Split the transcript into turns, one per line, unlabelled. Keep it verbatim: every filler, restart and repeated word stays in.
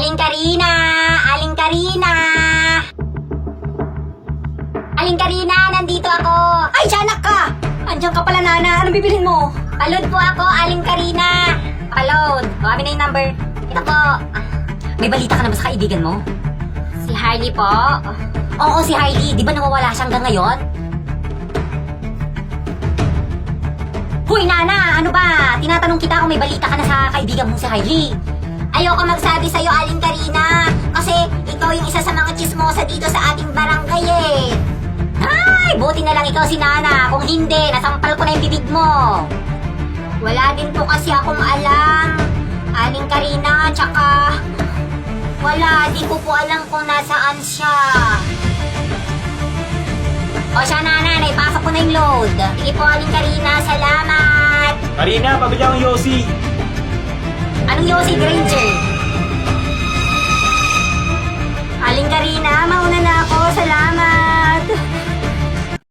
Aling Karina! Aling Karina! Aling Karina, nandito ako!
Ay, tiyanak ka! Andiyan ka pala, Nana. Anong bibilhin mo?
Palod po ako, Aling Karina! Palod! O, amin na yung number. Ito po.
May balita ka na ba sa kaibigan mo?
Si Harley po.
Oo, si Hailey. Di ba nawawala siya hanggang ngayon? Hoy, Nana! Ano ba? Tinatanong kita kung may balita ka na sa kaibigan mo si Hailey.
Ayoko magsabi sa'yo, Aling Karina. Kasi ikaw yung isa sa mga chismosa dito sa ating barangay eh.
Ay, buti na lang ikaw si Nana. Kung hindi, nasampal ko na yung bibig mo.
Wala din po kasi akong alam, Aling Karina, tsaka wala, di ko po alam kung nasaan siya.
O siya, Nana, naipasok ko na yung load.
Sige po, Aling Karina, salamat.
Karina, pabili akong Yossi.
Anong Yossi Granger?